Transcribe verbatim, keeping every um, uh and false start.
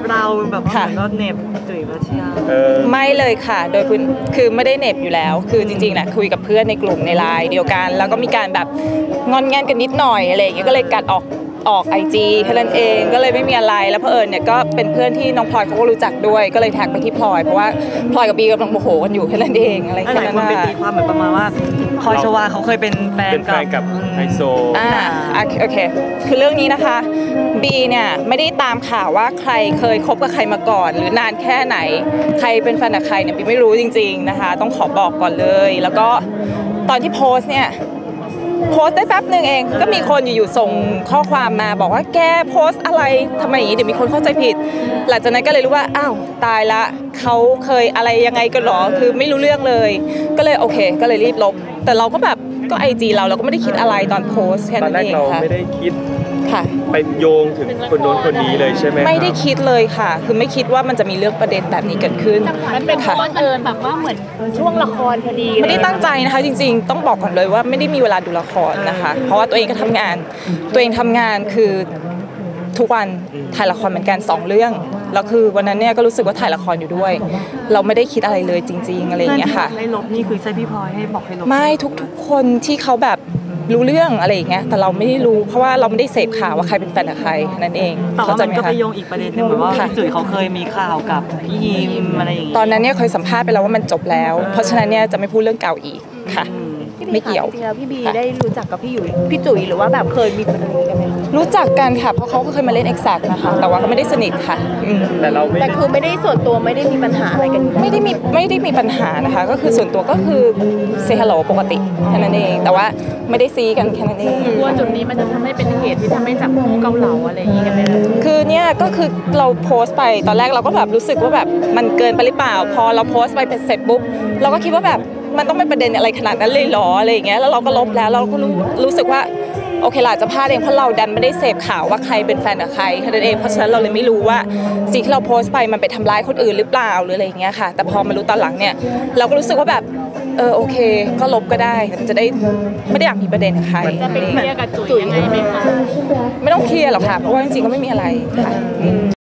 เราแบบว่าก็เน็บจุ๋ยวัชยาไม่เลยค่ะโดยพื้นคือไม่ได้เน็บอยู่แล้วคือจริงๆแหละคุยกับเพื่อนในกลุ่มในไลน์เดียวกันแล้วก็มีการแบบงอนแงนกันนิดหน่อยอะไรอย่างเงี้ยก็เลยกัดออกออกไอจีแค่นั้นเองก็เลยไม่มีอะไรแล้วเผอิญเนี่ยก็เป็นเพื่อนที่น้องพลอยเขาก็รู้จักด้วยก็เลยแท็กไปที่พลอยเพราะว่าพลอยกับบีกำลังโมโหกันอยู่แค่นั้นเองอะไรแค่นั้นน่ะหลายคนไปตีความเหมือนประมาณว่าพลอยชวาเขาเคยเป็นแฟนกับไฮโซอ่าโอเคคือเรื่องนี้นะคะบีเนี่ยไม่ได้ตามข่าวว่าใครเคยคบกับใครมาก่อนหรือนานแค่ไหนใครเป็นแฟนกับใครเนี่ยบีไม่รู้จริงๆนะคะต้องขอบอกก่อนเลยแล้วก็ตอนที่โพสเนี่ยโพสได้แป๊บหนึ่งเองก็มีคนอยู่ๆส่งข้อความมาบอกว่าแกโพสอะไรทำไมอย่างนี้เดี๋ยวมีคนเข้าใจผิดหลังจากนั้นก็เลยรู้ว่าอ้าวตายละเขาเคยอะไรยังไงกันหรอคือไม่รู้เรื่องเลยก็เลยโอเคก็เลยรีบลบแต่เราก็แบบก็ไอจีเราเราก็ไม่ได้คิดอะไรตอนโพสแค่นั้นเองค่ะตอนแรกเราไม่ได้คิดค่ะไปโยงถึงคนโน้นคนนี้เลยใช่ไหมไม่ได้คิดเลยค่ะคือไม่คิดว่ามันจะมีเรื่องประเด็นแบบนี้เกิดขึ้นมันเป็นเพราะเอิญแบบว่าเหมือนช่วงละครพอดีไม่ได้ตั้งใจนะคะจริงๆต้องบอกก่อนเลยว่าไม่ได้มีเวลาดูละครนะคะเพราะว่าตัวเองก็ทำงานตัวเองทำงานคือทุกวันถ่ายละครเหมือนกันสองเรื่องแล้วคือวันนั้นเนี่ยก็รู้สึกว่าถ่ายละครอยู่ด้วยเราไม่ได้คิดอะไรเลยจริงๆอะไรอย่างเงี้ยค่ะให้ลบนี่คือใช่พี่พลอยให้บอกให้ลบไม่ทุกๆคนที่เขาแบบรู้เรื่องอะไรอย่างเงี้ยแต่เราไม่ได้รู้เพราะว่าเราไม่ได้เสพข่าวว่าใครเป็นแฟนกับใครนั่นเองแต่ว่ามันก็ไปโยงอีกประเด็นนึงเหมือนว่าจุ๋ยเขาเคยมีข่าวกับพี่ยิมอะไรอย่างเงี้ยตอนนั้นเนี่ยเคยสัมภาษณ์ไปแล้วว่ามันจบแล้วเพราะฉะนั้นเนี่ยจะไม่พูดเรื่องเก่าอีกค่ะไม่เกี่ยวจริงๆแล้วพี่บีได้รู้จักกับพี่อยู่พี่จุ๋ยหรือว่าแบบเคยมีอะไรกันไหมรู้จักกันค่ะเพราะเขาก็เคยมาเล่น Exact นะคะแต่ว่าก็ไม่ได้สนิทค่ะแต่เราแต่คือไม่ได้ส่วนตัวไม่ได้มีปัญหาอะไรกันไม่ได้มีไม่ได้มีปัญหานะคะก็คือส่วนตัวก็คือเซฮัลโหลปกติแค่นั้นเองแต่ว่าไม่ได้ซีกันแค่นั้นเองกลัวจุดนี้มันจะทำให้เป็นเหตุที่ทำให้จับคู่เกาเหลาอะไรอย่างงี้กันไหมคือเนี่ยก็คือเราโพสต์ไปตอนแรกเราก็แบบรู้สึกว่าแบบมันเกินไปหรือเปล่าพอเราโพสต์ไปเสร็จปุ๊บเราก็คิดว่าแบบมันต้องเป็นประเด็นอะไรขนาดนั้นเลยหรออะไรอย่างเงี้ยแล้วเราก็ลบแล้วเราก็รู้รู้สึกว่าโอเคล่ะจะพลาดเองเพราะเราดันไม่ได้เสพข่าวว่าใครเป็นแฟนกับใครแค่นั้นเองเพราะฉะนั้นเราเลยไม่รู้ว่าสิ่งที่เราโพสต์ไปมันไปทำร้ายคนอื่นหรือเปล่าหรืออะไรอย่างเงี้ยค่ะแต่พอมารู้ตอนหลังเนี่ยเราก็รู้สึกว่าแบบเออโอเคก็ลบก็ได้จะได้ไม่ได้อยากมีประเด็นกับใครจะไปเคลียร์กับจุ๋ยยังไงไหมคะไม่ต้องเคลียร์หรอกค่ะเพราะว่าจริงๆก็ไม่มีอะไรค่ะ